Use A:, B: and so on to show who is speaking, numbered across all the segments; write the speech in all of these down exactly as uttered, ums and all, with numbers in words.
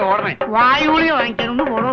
A: ഓടണേ?
B: വായുഗുളിക വാങ്ങിക്കാനൊന്ന് പോടോ.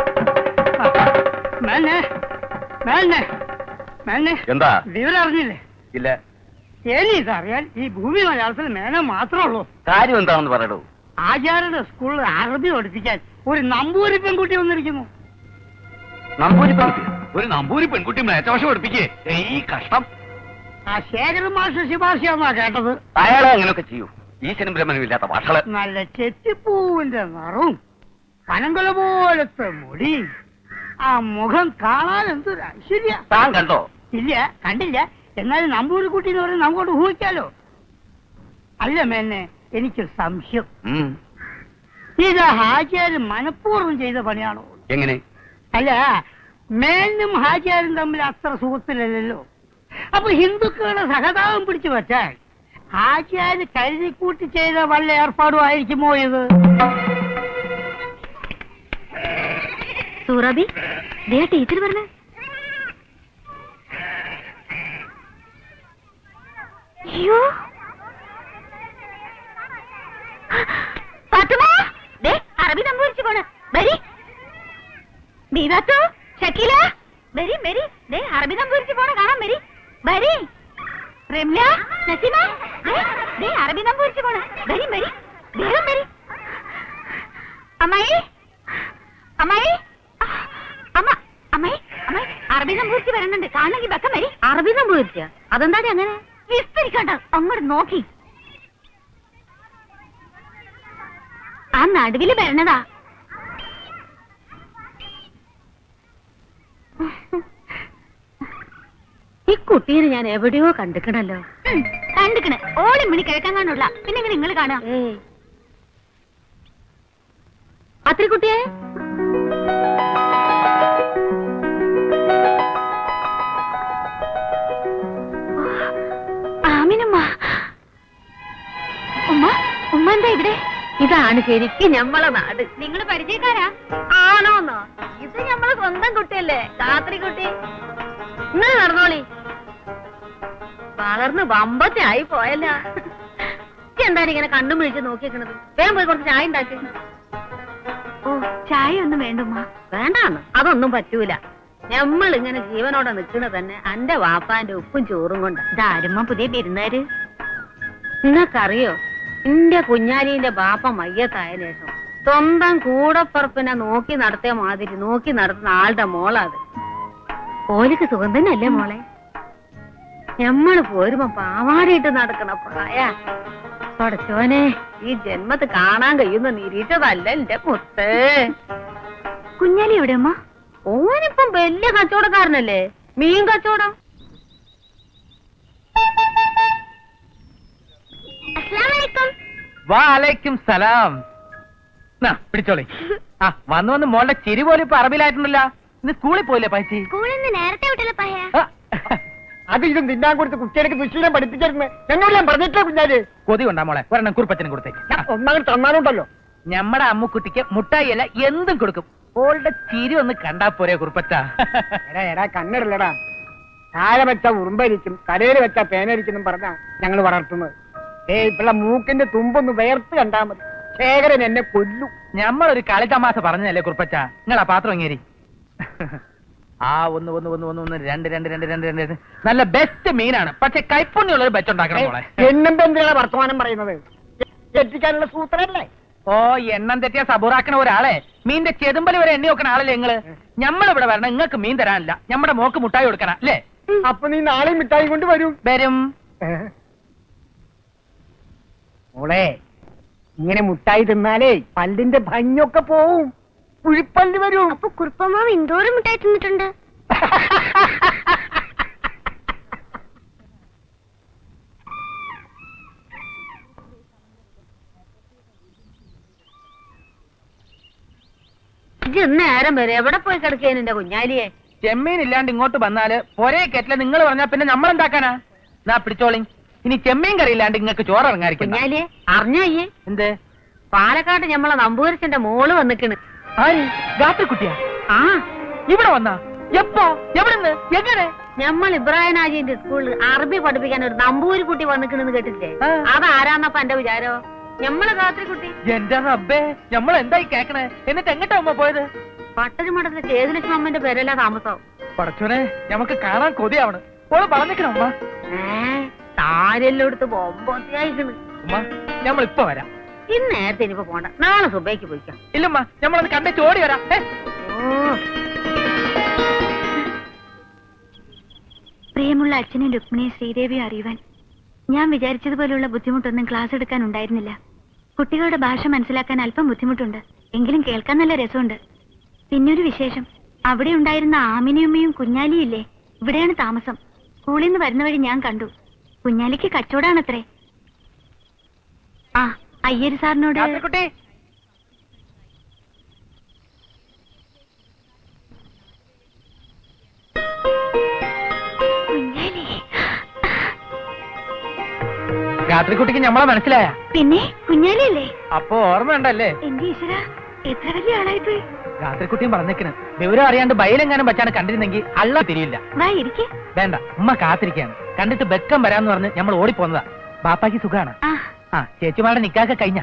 B: മേന്നെ മേന്നെ മേന്നെ
A: എന്താ
B: വിവരം അറിഞ്ഞില്ലേ?
A: ഇല്ല.
B: എനിക്കറിയാൻ ഈ ഭൂമി മലയാളത്തിൽ മേനെ മാത്രമേ ഉള്ളൂ.
A: കാര്യം എന്താണെന്ന് പറയടൂ.
B: ആചാര്യയുടെ സ്കൂളിൽ അറബി പഠിപ്പിക്കാൻ ഒരു നമ്പൂരി പെൺകുട്ടി വന്നിരിക്കുന്നു.
A: നമ്പൂരി പെൺകുട്ടി? ഒരു നമ്പൂരി പെൺകുട്ടി മേച്ചവശം പഠിപ്പിക്കേ? ഈ കഷ്ടം.
B: ആ ശേഖരൻ മാഷ് ശുപാർശയാന്നാ കേട്ടത്.
A: അയാളെ അങ്ങനെയൊക്കെ ചെയ്യൂ. ഈശ്വരൻ ബ്രഹ്മനും ഇല്ലാത്ത ഭാഷകള്.
B: നല്ല ചെത്തിപ്പൂവിന്റെ നിറവും പനങ്കുല പോലത്തെ മുടി, ആ മുഖം കാണാൻ എന്തൊരു ഐശ്വര്യ.
A: താൻ കണ്ടോ?
B: ഇല്ല, കണ്ടില്ല. എന്നാലും നമ്പൂരിക്കുട്ടി എന്ന് പറയുന്നത് നമുക്കോട്ട് ഊഹിക്കാലോ. അല്ല മേന്നെ, എനിക്ക് സംശയം. ഇത് ഹാജിയാരും മനഃപൂർവ്വം ചെയ്ത പണിയാണോ?
A: എങ്ങനെ?
B: അല്ല, മേനും ഹാജിയാരും തമ്മിൽ അത്ര സുഹൃത്തിലല്ലോ. അപ്പൊ ഹിന്ദുക്കളുടെ സഹതാപം പിടിച്ചു വെച്ചാൽ ഹാജിയാര് കരുതിക്കൂട്ടി ചെയ്ത വല്ല ഏർപ്പാടും ആയിരിക്കുമോ ഇത്?
C: സൂറാബി, ടീച്ചർ പറഞ്ഞേ. അയ്യോ, അറബി നമ്പൂരിച്ചു പോണ്. വരി ബീവാത്തോ, ഷക്കീല, വരി വരി. അറബി നമ്പൂരിച്ചു പോണ കാണാൻ വരി. വരി റെംല, നസീമ, അറബി നമ്പൂരിച്ചു പോണ. വരി വരി, വേഗം വരി. അമ്മായി അമ്മായി അമ്മ അമ്മായി അമ്മായി, അറബി നമ്പൂരിച്ച് വരുന്നുണ്ട്. കാണണമെങ്കിൽ വെക്കം വരി. അറബി നമ്പൂരിച്ച? അതെന്താണ് അങ്ങനെ? വിസ്തരിക്കണ്ട, അങ്ങോട്ട് നോക്കി. ആ നടുവില് വരണതാ. ഈ കുട്ടീനെ ഞാൻ എവിടെയോ കണ്ടിക്കണല്ലോ. കണ്ടിക്കണ്, ഓളി മണി കിഴക്കാൻ കാണുള്ള. പിന്നെ ഇങ്ങനെ നിങ്ങൾ കാണാം. അത്ര കുട്ടിയെ ആമിനുമ്മ. ഉമ്മ ഉമ്മ എന്താ ഇവിടെ? ഇതാണ് ശരിക്കും ഞമ്മളെ നാട്. നിങ്ങൾ പരിചയക്കാരാ? ആണോന്നോ? ഇത് ഞമ്മളെ സ്വന്തം കുട്ടിയല്ലേ, കാത്രി കുട്ടി. നിങ്ങൾ നടന്നോളി. വളർന്ന് വമ്പത്തെ ആയി പോയല്ല. എന്താണ് ഇങ്ങനെ കണ്ണും വിളിച്ച് നോക്കിയേക്കണത്? വേഗം പോയി കുറച്ച് ചായ ഉണ്ടാക്കി. ഓ, ചായ ഒന്നും വേണ്ടുമ്മ. വേണ്ടാന്ന്? അതൊന്നും പറ്റൂല. ഞമ്മൾ ഇങ്ങനെ ജീവനോടെ നിൽക്കുന്നത് തന്നെ അന്റെ വാപ്പാന്റെ ഉപ്പും ചോറും കൊണ്ട്. ഇതാരുമ്മ പുതിയ പെരുന്നാര്? നിങ്ങൾക്കറിയോ, എന്റെ കുഞ്ഞാലിന്റെ ബാപ്പ മയ്യത്തായ ശേഷം സ്വന്തം കൂടപ്പറപ്പിനെ നോക്കി നടത്തിയ മാതിരി നോക്കി നടത്തുന്ന ആളുടെ മോളാത്. ഓലിക്ക് സുഖം തന്നെയല്ലേ മോളെ? ഞമ്മള് പോരുമ്പോ പാവാടിയിട്ട് നടക്കണ പ്രായ. പഠിച്ചോനെ, ഈ ജന്മത്ത് കാണാൻ കഴിയുന്ന നിരീക്ഷതല്ല എന്റെ മുത്ത്. കുഞ്ഞാലി എവിടെ അമ്മ? ഓനിപ്പം വലിയ കച്ചവടക്കാരനല്ലേ, മീൻ കച്ചവടം.
D: വാലൈക്കും സലാം. പിടിച്ചോളി. ആ വന്ന് വന്ന് മോളുടെ ചിരി പോലും ഇപ്പൊ അറബിലായിട്ടുണ്ടല്ലോ. ഇന്ന് സ്കൂളിൽ പോയില്ലേ പൈസ?
C: നേരത്തെ വിട്ടല്ലോ പയ്യ.
B: അത് ഇതും തിന്നാൻ കൊടുത്ത് കുട്ടികൾക്ക് ദുശീലം പഠിപ്പിച്ചിരുന്നു. എന്നോട് ഞാൻ പറഞ്ഞിട്ടില്ല കുഞ്ഞാല്.
D: കൊതി കൊണ്ടാ മോളെ, ഒരെണ്ണം കുറുപ്പച്ചനും കൊടുത്തേക്ക്.
B: ഒന്നാമത് തന്നാലുണ്ടല്ലോ.
D: ഞമ്മടെ അമ്മുക്കുട്ടിക്ക് മുട്ടായി അല്ല എന്തും കൊടുക്കും. ഓളുടെ ചിരി ഒന്ന് കണ്ടാ പോരെ കുറുപ്പച്ച.
B: എടാ എടാ കണ്ണിടല്ലടാ. താഴെ വെച്ച ഉറുമ്പരിക്കും തലയിൽ വെച്ച പേനരിക്കും പറഞ്ഞാ ഞങ്ങൾ വളർത്തുന്നത്. ഏ ഇപ്പള്ള മൂക്കിന്റെ തുമ്പൊന്ന് വേർത്ത് കണ്ടാ മതി, ശേഖരൻ എന്നെ കൊല്ലു.
D: ഞമ്മളൊരു കളിതമാശ പറഞ്ഞല്ലേ കുറുപ്പച്ച. നിങ്ങളാ പാത്രം ഇങ്ങേരി. ആ ഒന്ന് ഒന്ന് ഒന്ന് ഒന്ന് ഒന്ന് രണ്ട് രണ്ട് രണ്ട് രണ്ട് രണ്ട് നല്ല ബെസ്റ്റ് മീനാണ്. പക്ഷെ കൈപ്പുണ്ണിയുള്ളൊരു ബെറ്റ് ഉണ്ടാക്കണം മോളെ.
B: എന്നെന്താ എന്തിനാണ് വർത്തമാനം പറയുന്നത്? എത്തിക്കാനുള്ള സൂത്രല്ലേ?
D: ഓ, എണ്ണം തെറ്റിയ സബൂറാക്കണ ഒരാളെ മീന്റെ ചെതുമ്പല് വരെ എണ്ണി വെക്കണ ആളല്ലേ നിങ്ങള്. ഞമ്മളിവിടെ വരണം, നിങ്ങൾക്ക് മീൻ തരാനില്ല. നമ്മുടെ മോക്ക് മുട്ടായി കൊടുക്കണം അല്ലേ?
B: അപ്പൊ നീ നാളെ മിഠായി കൊണ്ട് വരും.
D: വരും.
B: മോളെ, ഇങ്ങനെ മുട്ടായി തിന്നാലേ പല്ലിന്റെ ഭംഗിയൊക്കെ പോവും, കുഴിപ്പല്ല് വരും.
C: അപ്പൊ കുറുപ്പമാവ് എന്തോരം മുട്ടായി തിന്നിട്ടുണ്ട്. നേരം വരെ എവിടെ പോയി കിടക്കേൻ എന്റെ കുഞ്ഞാലിയെ?
D: ചെമ്മീൻ ഇല്ലാണ്ട് ഇങ്ങോട്ട് വന്നാല് പൊരേ കെറ്റില നിങ്ങൾ പറഞ്ഞാ പിന്നെ നമ്മളെന്താക്കാനാ? നാ പിടിച്ചോളി. ഇനി ചെമ്മീൻ കറി ഇല്ലാണ്ട് നിങ്ങൾക്ക് ചോറ് ഇറങ്ങാതിരിക്കും.
C: കുഞ്ഞാലിയെ അറിഞ്ഞോയ്യേ?
D: എന്ത്?
C: പാലക്കാട് ഞമ്മളെ നമ്പൂരിച്ചന്റെ മോള് വന്നിക്കണ്.
D: ആര്? ഗാത്രക്കുട്ടിയാ?
C: ആ,
D: ഇവിടെ വന്നാ? എപ്പോ? എവിടുന്ന്? എങ്ങനെ?
C: ഞമ്മൾ ഇബ്രാഹിം ഹാജിന്റെ സ്കൂളിൽ അറബി പഠിപ്പിക്കാൻ ഒരു നമ്പൂരി കുട്ടി വന്നിക്കണെന്ന് കേട്ടില്ലേ? അതാരാന്നപ്പ എന്റെ വിചാരോ? ഞമ്മളെ കാത്രി കുട്ടി
D: എന്റെ റബ്ബേ നമ്മൾ എന്തായി കേക്കണേ? എന്നിട്ട് എങ്ങട്ടാ ഉമ്മ പോയത്?
C: പട്ടരി മഠത്തിലെ ചേതുലക്ഷ്മി അമ്മന്റെ പേരല്ല താമസം.
D: പടച്ചോനെ നമുക്ക് കാണാൻ കൊതിയാവണ്. ഓള് പറഞ്ഞിക്കണം ഉമ്മ.
C: ഏ താരെല്ലാം എടുത്ത് ബൊമ്പത്തിയായിക്കണ്.
D: ഉമ്മ നമ്മൾ ഇപ്പൊ വരാം.
C: ഇന്ന് നേരത്തെ ഇനിയിപ്പോ പോണ്ട, നാളെ സുബൈക്ക് പോയിക്കാം.
D: ഇല്ലമ്മ നമ്മളത് കണ്ടേ ചോടി വരാം. ഏ?
E: പ്രിയമുള്ള അച്ഛനും രുക്മിണിയും ശ്രീദേവിയും അറിയുവാൻ ഞാൻ വിചാരിച്ചതുപോലെയുള്ള ബുദ്ധിമുട്ടൊന്നും ക്ലാസ് എടുക്കാൻ ഉണ്ടായിരുന്നില്ല. കുട്ടികളുടെ ഭാഷ മനസ്സിലാക്കാൻ അല്പം ബുദ്ധിമുട്ടുണ്ട്, എങ്കിലും കേൾക്കാൻ നല്ല രസമുണ്ട്. പിന്നൊരു വിശേഷം, അവിടെ ഉണ്ടായിരുന്ന ആമിനിയമ്മയും കുഞ്ഞാലിയും ഇല്ലേ, ഇവിടെയാണ് താമസം. സ്കൂളിൽ നിന്ന് വരുന്ന വഴി ഞാൻ കണ്ടു. കുഞ്ഞാലിക്ക് കച്ചവടാണത്രേ. ആ അയ്യര് സാറിനോട്
D: കുട്ടി
E: കുഞ്ഞാലി
D: രാത്രിക്കുട്ടിക്ക് നമ്മളെ മനസ്സിലായ?
E: പിന്നെ കുഞ്ഞാലിയല്ലേ?
D: അപ്പൊ ഓർമ്മയുണ്ടല്ലേ?
E: എന്റെ ഈശ്വര, എത്ര വലിയ ആളായിപ്പോയി.
D: രാത്രിക്കുട്ടിയും പറഞ്ഞേക്കണ് വിവരം അറിയാണ്ട് ബയലെങ്ങാനും വെച്ചാണ് കണ്ടിരുന്നെങ്കിൽ അള്ള തിരിയില്ല.
E: വാ ഇരിക്കെ.
D: വേണ്ട, ഉമ്മ കാത്തിരിക്കാണ്. കണ്ടിട്ട് ബെക്കം വരാന്ന് പറഞ്ഞ് നമ്മൾ ഓടിപ്പോന്നതാ. ബാപ്പാക്ക് സുഖാണ്.
E: ആ
D: ആ ചേച്ചിമാരുടെ നിക്കാക്ക കഴിഞ്ഞ.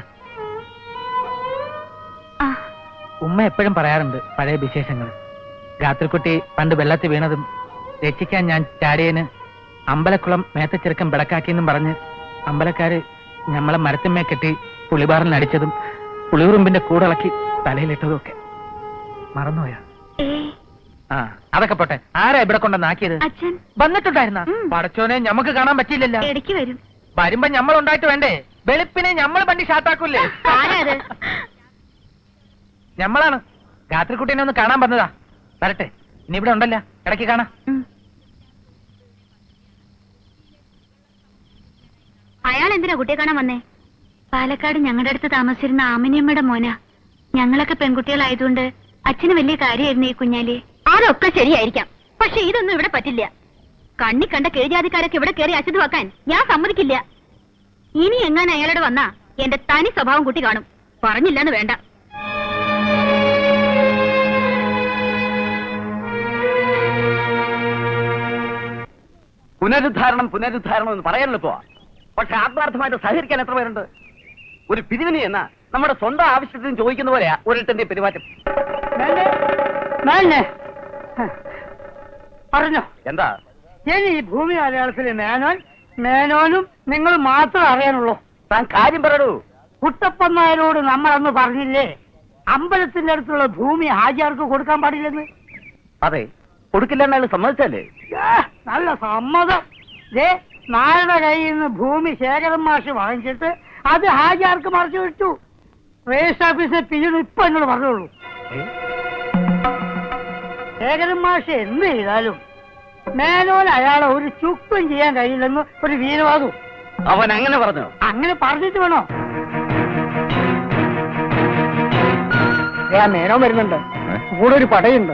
E: ആ
D: ഉമ്മ എപ്പോഴും പറയാറുണ്ട് പഴയ വിശേഷങ്ങൾ. രാത്രിക്കുട്ടി പണ്ട് വെള്ളത്തിൽ വീണതും രക്ഷിക്കാൻ ഞാൻ ചാടിയന് അമ്പലക്കുളം മേത്തച്ചെറുക്കം വിളക്കാക്കിയെന്നും പറഞ്ഞ് അമ്പലക്കാര് ഞമ്മളെ മരത്തിന്മേ കെട്ടി പുളിബാറിൽ അടിച്ചതും പുളിയുറുമ്പിന്റെ കൂടിളക്കി തലയിലിട്ടതും ഒക്കെ മറന്നുപോയാ?
E: ഏ
D: ആ അതൊക്കെ പോട്ടെ. ആരാ ഇവിടെ കൊണ്ടുവന്നാക്കിയത്?
E: അച്ഛൻ
D: വന്നിട്ടുണ്ടായിരുന്ന
E: ഉം.
D: പടച്ചോനെ ഞമ്മക്ക് കാണാൻ പറ്റിയില്ലല്ലോ.
E: ഇടയ്ക്ക് വരും.
D: വരുമ്പോ ഞമ്മൾ ഉണ്ടായിട്ട് വേണ്ടേ? വെളുപ്പിനെ ഞമ്മള് വണ്ടി ഷാട്ടാക്കൂല്ലേ?
C: ആരാത്?
D: ഞമ്മളാണ്. രാത്രിക്കുട്ടീനെ ഒന്ന് കാണാൻ വന്നതാ. വരട്ടെ, ഇനി ഇവിടെ ഉണ്ടല്ലോ, ഇടയ്ക്ക് കാണാം.
E: ഉം.
C: അയാൾ എന്തിനാ കുട്ടിയെ കാണാൻ വന്നേ?
E: പാലക്കാട് ഞങ്ങളുടെ അടുത്ത് താമസിച്ചിരുന്ന ആമിനിയമ്മയുടെ മോനാ. ഞങ്ങളൊക്കെ പെൺകുട്ടികളായതുകൊണ്ട് അച്ഛന് വലിയ കാര്യമായിരുന്നു ഈ കുഞ്ഞാലി.
C: അതൊക്കെ ശരിയായിരിക്കാം, പക്ഷെ ഇതൊന്നും ഇവിടെ പറ്റില്ല. കണ്ണി കണ്ട കീഴ്ജാതിക്കാരൊക്കെ ഇവിടെ കയറി അശുദ്ധമാക്കാൻ ഞാൻ സമ്മതിക്കില്ല. ഇനി എങ്ങനെ അയാളോട് വന്നാ എന്റെ തനി സ്വഭാവം കുട്ടി കാണും. പറഞ്ഞില്ലെന്ന് വേണ്ട.
A: പുനരുദ്ധാരണം പുനരുദ്ധാരണം എന്ന് പറയാനല്ലോ പോവാ. പക്ഷെ ആത്മാർത്ഥമായിട്ട് സഹകരിക്കാൻ എത്ര പേരുണ്ട്? ഒരു പിരിവിനി എന്ന നമ്മുടെ സ്വന്തം ആവശ്യത്തിന് ചോദിക്കുന്ന പോലെയാ ഒരിട്ടന്റെ പെരുമാറ്റം.
B: മേലെ, മേലെ. പറഞ്ഞോ
A: എന്താ?
B: ഇനി ഈ ഭൂമി മലയാളത്തിലെ മേനോൻ മേനോനും നിങ്ങൾ മാത്രം അറിയാനുള്ളൂ.
A: താൻ കാര്യം പറയൂ.
B: കുട്ടപ്പൻ നായരോട് നമ്മൾ അന്ന് പറഞ്ഞില്ലേ അമ്പലത്തിന്റെ അടുത്തുള്ള ഭൂമി ഹാജിയാർക്ക് കൊടുക്കാൻ പാടില്ലെന്ന്?
A: അതെ, കൊടുക്കില്ലെന്ന് അയാൾ സമ്മതിച്ചല്ലേ?
B: ഏ, നല്ല സമ്മതം. ദേ നായരുടെ കയ്യിൽ നിന്ന് ഭൂമി ശേഖരൻ മാഷ് വാങ്ങിച്ചിട്ട് അത് ഹാജിയാർക്ക് മറിച്ചു വിട്ടു. രജിസ്റ്റർ ഓഫീസിൽ പിന്നീട് ഇപ്പൊ എന്നോട് പറഞ്ഞോളൂ. ശേഖരൻ മാഷ് എന്ത് ചെയ്താലും മേനോൻ അയാളെ ഒരു ചുക്കും ചെയ്യാൻ കഴിയില്ലെന്ന് ഒരു വീരവാദവും.
A: അവൻ അങ്ങനെ പറഞ്ഞു?
B: അങ്ങനെ പറഞ്ഞിട്ട് വേണോ? ഞാൻ മേനോൻ വരുന്നുണ്ട്, കൂടെ ഒരു പടയുണ്ട്.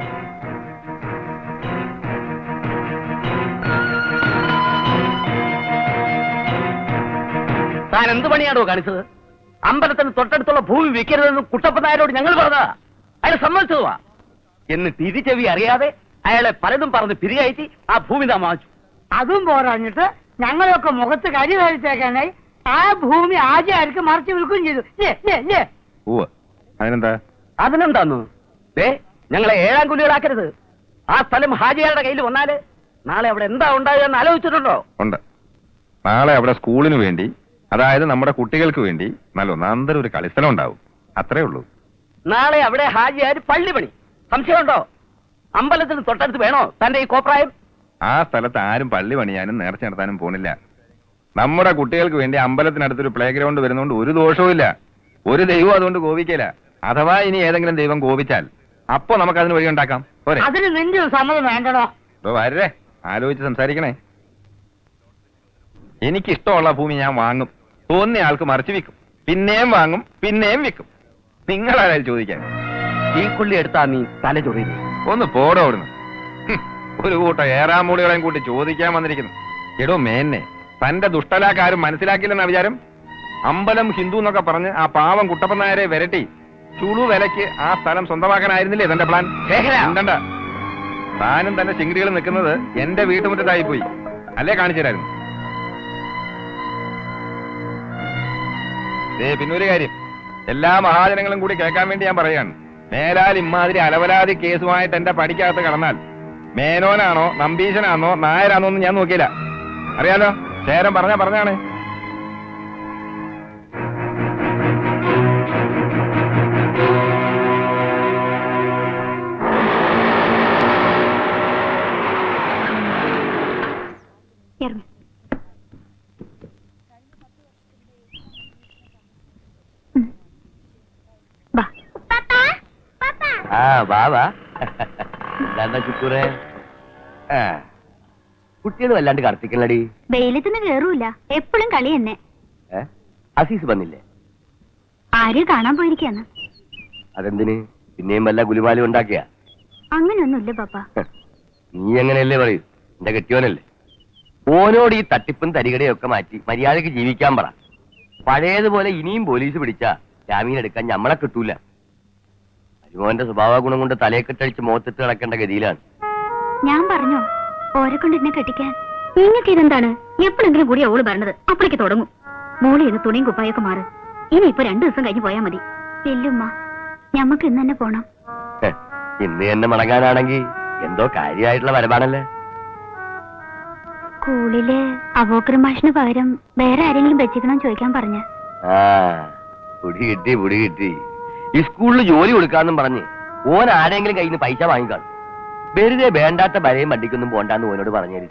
A: താൻ എന്ത് പണിയാണോ കാണിച്ചത്? അമ്പലത്തിന് തൊട്ടടുത്തുള്ള ഭൂമി വിൽക്കരുതെന്ന് കുട്ടപ്പൻ നായരോട് ഞങ്ങൾ പറഞ്ഞതാ. അയാൾ സമ്മതിച്ചതുവാ. എന്ന് തിരിച്ചെവി അറിയാതെ അയാളെ പലതും പറഞ്ഞ് പിരികയറ്റി ആ ഭൂമി താൻ വാങ്ങിച്ചു.
B: അതും പോരാഞ്ഞിട്ട് ഞങ്ങളൊക്കെ മുഖത്ത് കരി കഴിച്ചേക്കാനായി ആ ഭൂമി ആചാര്യർക്ക് മറിച്ച് വിൽക്കുകയും ചെയ്തു. ലേ, ലേ, ലേ.
F: അതിനെന്താ?
A: അതിനെന്താന്നു? ദേ ഞങ്ങളെ ഏഴാം കുലികളാക്കരുത്. ആ സ്ഥലം ഹാജിയാരുടെ കയ്യിൽ വന്നാല് നാളെ അവിടെ എന്താ ഉണ്ടാകുക എന്ന് ആലോചിച്ചിട്ടുണ്ടോ?
F: ഉണ്ട്. നാളെ അവിടെ സ്കൂളിന് വേണ്ടി, അതായത് നമ്മുടെ കുട്ടികൾക്ക് വേണ്ടി നല്ല ഒന്നാന്തരം ഒരു കളിസ്ഥലം ഉണ്ടാവും. അത്രേ ഉള്ളൂ.
A: നാളെ അവിടെ ഹാജിയാര് പള്ളി പണി. സംശയമുണ്ടോ? അമ്പലത്തിന് തൊട്ടടുത്ത് വേണോ തന്റെ ഈ കോപ്രായം?
F: ആ സ്ഥലത്ത് ആരും പള്ളി പണിയാനും നേർച്ച നടത്താനും പോണില്ല. നമ്മുടെ കുട്ടികൾക്ക് വേണ്ടി അമ്പലത്തിനടുത്തൊരു പ്ലേ ഗ്രൗണ്ട് വരുന്നതുകൊണ്ട് ഒരു ദോഷവും ഇല്ല. ഒരു ദൈവം അതുകൊണ്ട് കോപിക്കില്ല. അഥവാ ഇനി ഏതെങ്കിലും ദൈവം കോപിച്ചാൽ അപ്പൊ നമുക്ക് അതിന് വഴി ഉണ്ടാക്കാം. പോരെ?
B: അതിന് നിന്റെ ഒരു സമ്മതം വേണ്ടടോ.
F: ഇപ്പൊ വരേ, ആലോചിച്ച് സംസാരിക്കണേ. എനിക്കിഷ്ടമുള്ള ഭൂമി ഞാൻ വാങ്ങും. തോന്നിയ ആൾക്ക് മറിച്ച് വിൽക്കും. പിന്നെയും വാങ്ങും, പിന്നെയും വിൽക്കും. നിങ്ങളാരും ചോദിക്കാൻ.
A: ഈ കുള്ളി എടുത്താ നീ തല ചൊറിയില്ലേ?
F: ഒന്ന് പോടോ അവിടുന്ന്. ഹും, ഒരു കൂട്ടം ഏറാമൂടികളെയും കൂട്ടി ചോദിക്കാൻ വന്നിരിക്കുന്നു. എടോ മേന്നെ, തന്റെ ദുഷ്ടലാക്കാരും മനസ്സിലാക്കില്ലെന്ന വിചാരം? അമ്പലം ഹിന്ദു എന്നൊക്കെ പറഞ്ഞ് ആ പാവം കുട്ടപ്പൻ നായരെ വിരട്ടി ചുളു വിലക്ക് ആ സ്ഥലം സ്വന്തമാക്കാനായിരുന്നില്ലേ തന്റെ പ്ലാൻ? ഉണ്ടണ്ട. താനും തന്റെ ചിങ്കിടികൾ നിൽക്കുന്നത് എന്റെ വീട്ടുമുറ്റത്തായി പോയി അല്ലേ? കാണിച്ചു തരായിരുന്നു. ദേ പിന്നൊരു കാര്യം, എല്ലാ മഹാജനങ്ങളും കൂടി കേൾക്കാൻ വേണ്ടി ഞാൻ പറയാണ്. മേലാൽ ഇമ്മാതിരി അലവലാതി കേസുമായിട്ട് എന്റെ പടിക്കകത്ത് കടന്നാൽ മേനോനാണോ നമ്പീശനാണോ നായരാണോ എന്ന് ഞാൻ നോക്കിയില്ല. അറിയാലോ, ശേരം പറഞ്ഞ പറഞ്ഞാണ്.
E: ഇറങ്ങ്. ഉം. വാ.
A: ആ വാ വാ. എന്താ ചുക്കൂറെ? ആ കുട്ടികൾ വല്ലാണ്ട് കർത്തിക്കണടി.
E: വെയിലത്തിന് കേറൂല, എപ്പോഴും കളി തന്നെ.
A: ഏ അസീസ് വന്നില്ലേ?
E: ആരെയും കാണാൻ പോയിരിക്കാന്ന്.
A: അതെന്തിന്? പിന്നെയും വല്ല ഗുലുമാലും ഉണ്ടാക്കിയ?
E: അങ്ങനെയൊന്നുമില്ല പാപ്പ.
A: നീ എങ്ങനെയല്ലേ പറയൂ, എന്റെ കെട്ടിയോനല്ലേ. ഓനോട് ഈ തട്ടിപ്പും തരികടയും ഒക്കെ മാറ്റി മര്യാദക്ക് ജീവിക്കാൻ പറ. പഴയതുപോലെ ഇനിയും പോലീസ് പിടിച്ചാ ജാമീൻ എടുക്കാൻ ഞമ്മളെ കിട്ടൂല. അരിമോന്റെ സ്വഭാവ ഗുണം കൊണ്ട് തലയെ കെട്ടടിച്ച് മുഖത്തിട്ട് കിടക്കേണ്ട ഗതിയിലാണ്.
E: ഞാൻ പറഞ്ഞോ ഓരെ കൊണ്ട് എന്നെ കെട്ടിക്കാൻ? നിങ്ങൾക്ക് ഇതെന്താണ്? എപ്പോഴെങ്കിലും കൂടി ഓള് പറഞ്ഞത് അപ്പോഴേക്ക് തുടങ്ങും. മോളി ഇന്ന് തുണിയും കുപ്പായൊക്കെ മാറ്. ഇനി ഇപ്പൊ രണ്ടു ദിവസം കഴിഞ്ഞ് പോയാ മതി. ഇല്ലുമ്മ, ഞമ്മക്ക് ഇന്ന് തന്നെ പോണം.
A: ഹെ, ഇന്ന് തന്നെ മടങ്ങാനാണെങ്കിൽ എന്തോ കാര്യമായിട്ടുള്ള വരവാണല്ലേ.
E: സ്കൂളില് അബോക്കർ മാഷിന് പകരം വേറെ ആരെങ്കിലും വെച്ചിക്കണം ചോദിക്കാൻ പറഞ്ഞ.
A: ആ പുടി കിട്ടി പുടി കിട്ടി. ഈ സ്കൂളിൽ ജോലി കൊടുക്കാന്നും പറഞ്ഞ് ഓൻ ആരെങ്കിലും കയ്യിൽ നിന്ന് പൈസ വാങ്ങിക്കാണും. വെറുതെ വേണ്ടാത്ത ബലയും വണ്ടിക്കൊന്നും പോണ്ടാന്ന് ഓനോട് പറഞ്ഞേര്.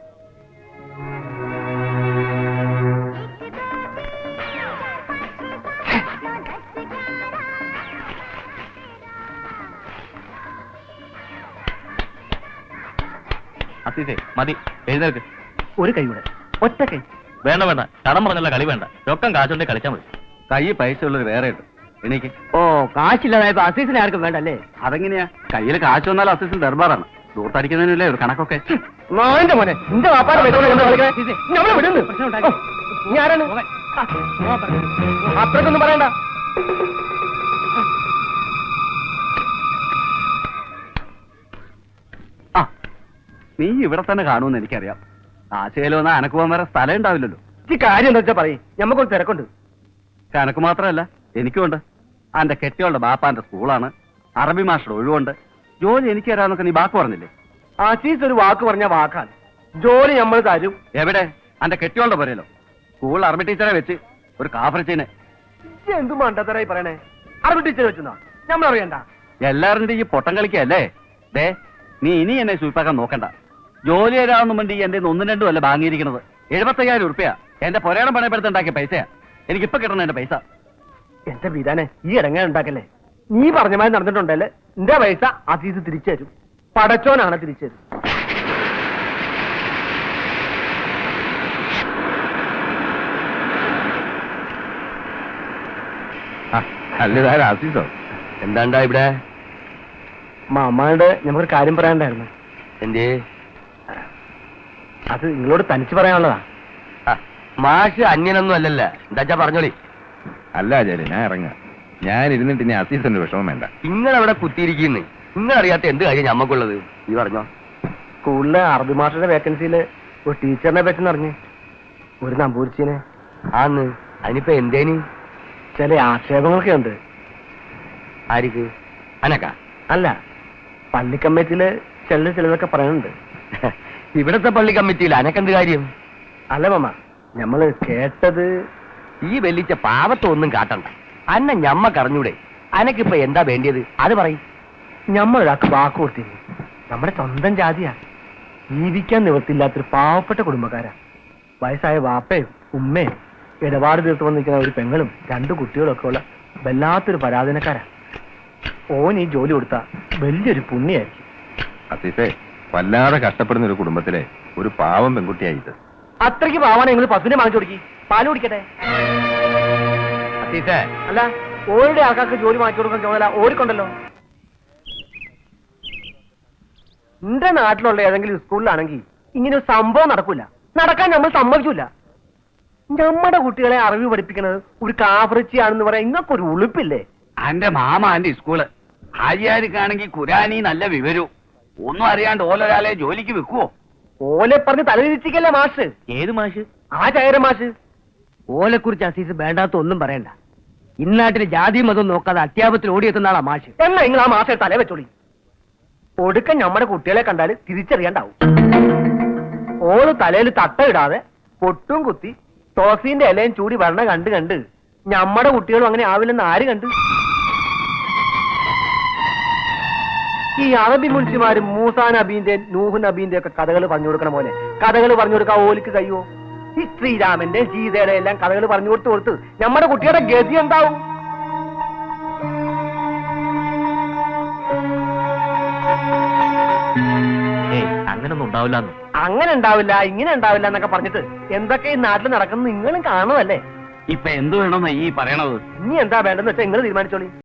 G: അസീസേ മതി, എഴുന്നേൽക്ക്.
D: ഒരു കൈ കൂടെ, ഒറ്റ കൈ.
G: വേണ്ട വേണ്ട, കടം പറഞ്ഞല്ല കളി വേണ്ട. രൊക്കം കാശുണ്ടെ കളിച്ചാൽ മതി.
D: കൈ പൈസ ഉള്ളത് വേറെ ഉണ്ട്. എനിക്ക്
B: ഓ കാശില്ലാതായപ്പോ അസീസിനെ ആർക്കും വേണ്ടല്ലേ?
D: അതെങ്ങനെയാ? കയ്യിൽ കാശ് വന്നാൽ അസിസ്റ്റന്റ് ദർബാറാണ്. ദൂർത്തടിക്കുന്നതിനല്ലേ ഒരു കണക്കൊക്കെ.
B: മോന്റെ മോനെ നിന്റെ വാപ്പാടെ നമ്മളെ വിടുന്നു. നീ ആരാണ്? അത്രക്കൊന്നും പറയണ്ട.
D: ആ നീ ഇവിടെ തന്നെ കാണുമെന്ന് എനിക്കറിയാം. ആശയിലോ എന്നാ അനക്ക് പോകാൻ വേറെ സ്ഥലം ഉണ്ടാവില്ലല്ലോ.
B: ഈ കാര്യം എന്താ വെച്ചാ പറയും, ഞമ്മക്കൊരു തിരക്കുണ്ട്.
D: അനക്ക് മാത്രമല്ല എനിക്കുണ്ട്. അന്റെ കെട്ടിയോളുടെ ബാപ്പാന്റെ സ്കൂളാണ്, അറബി മാസ്റ്റർ ഒഴിവുണ്ട്. ജോലി എനിക്ക് തരാന്നൊക്കെ നീ വാക്ക് പറഞ്ഞില്ലേ?
B: ആസീസ് ഒരു വാക്ക് പറഞ്ഞ വാക്കാണ്. ജോലി നമ്മൾ തരും.
D: എവിടെ? അന്റെ കെട്ടിയോളുടെ പോരല്ലോ. സ്കൂൾ അറബി ടീച്ചറെ വെച്ച് ഒരു കാഫറിച്ചീനെ.
B: എന്തു മണ്ടത്തരായി പറയണേ? അറബി ടീച്ചർ വെച്ചെന്നാ നമ്മളറിയണ്ട.
D: എല്ലാവരുടെ ഈ പൊട്ടം കളിക്കല്ലേ? ദേ നീ ഇനി എന്നെ സൂപ്പാക്കാൻ നോക്കണ്ട. ജോലി തരാമെന്നും വേണ്ടി എന്റെ ഒന്നും രണ്ടും അല്ല വാങ്ങിയിരിക്കുന്നത്. എഴുപത്തയ്യായിരം ഉറുപ്പ്യ എന്റെ പൊരേണം പണയപ്പെടുത്തുണ്ടാക്കിയ പൈസയാ. എനിക്കിപ്പോ കിട്ടണം എന്റെ പൈസ.
B: എന്റെ വീരാനെ ഈ ഇടങ്ങ ഉണ്ടാക്കല്ലേ. നീ പറഞ്ഞ മാതിരി നടന്നിട്ടുണ്ടല്ലേ, എന്റെ പൈസ അസീസ് തിരിച്ചു തരും. പടച്ചോനാണ് തിരിച്ചു തരും.
F: അല്ലതാരും അസീസോ?
A: എന്താണ്ടാ ഇവിടെ?
B: മാമാട് ഞമ്മക്കൊരു കാര്യം പറയാനുണ്ടായിരുന്നു.
A: എന്തേ?
B: അത് നിങ്ങളോട് തനിച്ച് പറയാനുള്ളതാ.
A: ആ, മാഷ് അന്യനൊന്നും അല്ലല്ല. എന്താച്ചാ പറഞ്ഞോളി.
F: അല്ല ആചാര്യ, ഞാൻ ഇറങ്ങാം. ഞാൻ ഇരുന്നിട്ട് ഇനി അസീസിന്റെ വിഷമം വേണ്ട.
A: നിങ്ങളവിടെ കുത്തിയിരിക്കുന്നു. നിങ്ങളറിയാത്ത എന്ത് കാര്യം ഞമ്മക്കുള്ളത്? നീ പറഞ്ഞോ.
B: സ്കൂളിലെ അറബി മാസ്റ്ററുടെ വേക്കൻസിയിൽ ഒരു ടീച്ചറിനെ പറ്റി അറിഞ്ഞ്, ഒരു നമ്പൂരിച്ചിനെ.
A: ആന്ന് അതിനിപ്പോ എന്തേനി?
B: ചില ആക്ഷേപങ്ങളൊക്കെ ഉണ്ട്.
A: ആരിക്ക്? അനക്ക?
B: അല്ല, പള്ളി കമ്മിറ്റിയില് ചില ചിലതൊക്കെ പറയുന്നുണ്ട്.
A: ഇവിടത്തെ പള്ളി കമ്മിറ്റിയിൽ അനക്കെന്ത് കാര്യം?
B: അല്ല മാമ, ഞമ്മള് കേട്ടത്.
A: ഈ വെല്ലിച്ച പാവത്തൊന്നും കാട്ടണ്ട. അന്ന ഞമ്മക്കറിഞ്ഞൂടെ? അനക്കിപ്പോ എന്താ വേണ്ടിയത് അത് പറയും.
B: ഞമ്മളൊരാൾക്ക് വാക്ക് കൊടുത്തിരുന്നു. നമ്മുടെ സ്വന്തം ജാതിയാ. ജീവിക്കാൻ നിവൃത്തിയില്ലാത്തൊരു പാവപ്പെട്ട കുടുംബക്കാരാ. വയസ്സായ വാപ്പയും ഉമ്മയും ഇടപാട് തീർത്ത് വന്നിരിക്കുന്ന ഒരു പെങ്ങളും രണ്ടു കുട്ടികളും ഒക്കെ ഉള്ള വല്ലാത്തൊരു പരാധീനക്കാരാ. ഓൻ ഈ ജോലി കൊടുത്താ വലിയൊരു പുണ്യായിരിക്കും.
F: അസീസേ, വല്ലാതെ കഷ്ടപ്പെടുന്ന ഒരു കുടുംബത്തിലെ ഒരു പാവം പെൺകുട്ടിയായിട്ട്.
B: അത്രയ്ക്ക് പാവാണ് നിങ്ങൾ പശുവിനെ വാങ്ങിച്ചു കൊടുക്കി. പാല് കുടിക്കട്ടെ.
A: അസീസേ,
B: അല്ല, ഓരുടെ ആൾക്കാർക്ക് ജോലി വാങ്ങിച്ചു കൊടുക്കാൻ ചുമതല ഓടിക്കൊണ്ടല്ലോ. എന്റെ നാട്ടിലുള്ള ഏതെങ്കിലും സ്കൂളിലാണെങ്കിൽ ഇങ്ങനെ ഒരു സംഭവം നടക്കൂല. നടക്കാൻ നമ്മൾ സമ്മതിക്കൂല. നമ്മുടെ കുട്ടികളെ അറിവ് പഠിപ്പിക്കുന്നത് ഒരു കാഫറിച്ചിയാണെന്ന് പറയാൻ ഇങ്ങക്കൊരു ഉളുപ്പില്ലേ?
D: അന്റെ മാമ അന്റെ സ്കൂള് ഹാജിയാർക്കാണെങ്കിൽ ഖുരാനി നല്ല വിവരവും ഒന്നും അറിയാണ്ട് ഓലൊരാളെ ജോലിക്ക് വെക്കുവോ?
B: ഓലെ പറഞ്ഞ് തലതിരിച്ചിക്കല്ലേ മാഷ്.
D: ഏത് മാഷ്?
B: ആ ചായര മാഷ്. ഓലെ കുറിച്ച് അസീസ് വേണ്ടാത്ത ഒന്നും പറയണ്ട. ഇന്നാട്ടിൽ ജാതിയും മതവും നോക്കാതെ അത്യാപത്തിൽ ഓടിയെത്തുന്ന ആളാ മാഷ്.
H: എന്നാ നിങ്ങൾ ആ മാസം തലേ വെച്ചോളി. ഒടുക്കം നമ്മുടെ കുട്ടികളെ കണ്ടാൽ തിരിച്ചറിയാണ്ടാവും. ഓള് തലയിൽ തട്ടയിടാതെ പൊട്ടും കുത്തി തോസീന്റെ ഇലയും ചൂടി വരണ കണ്ട് കണ്ട് നമ്മുടെ കുട്ടികളും അങ്ങനെ ആവില്ലെന്ന് ആര് കണ്ട്? ഈ അറബി മുൻഷിമാരും മൂസാ നബീന്റെ നൂഹ് നബീന്റെ ഒക്കെ കഥകൾ പറഞ്ഞു കൊടുക്കണ പോലെ കഥകൾ പറഞ്ഞു കൊടുക്കാൻ ഓലിക്ക് കഴിയുമോ? ഈ ശ്രീരാമന്റെ സീതയുടെ എല്ലാം കഥകൾ പറഞ്ഞു കൊടുത്ത് കൊടുത്ത് നമ്മുടെ കുട്ടിയുടെ ഗതി എന്താവും?
G: ഏയ് അങ്ങനൊന്നും ഉണ്ടാവില്ല.
H: അങ്ങനെ ഉണ്ടാവില്ല ഇങ്ങനെ ഉണ്ടാവില്ല എന്നൊക്കെ പറഞ്ഞിട്ട് എന്തൊക്കെ ഈ നാട്ടിൽ നടക്കുന്നത് നിങ്ങളും കാണുമല്ലേ?
G: ഇപ്പൊ എന്ത് വേണമെന്നാ ഈ പറയണത്?
H: ഇനി എന്താ വേണ്ടെന്ന് വെച്ചാൽ നിങ്ങൾ തീരുമാനിച്ചോളി.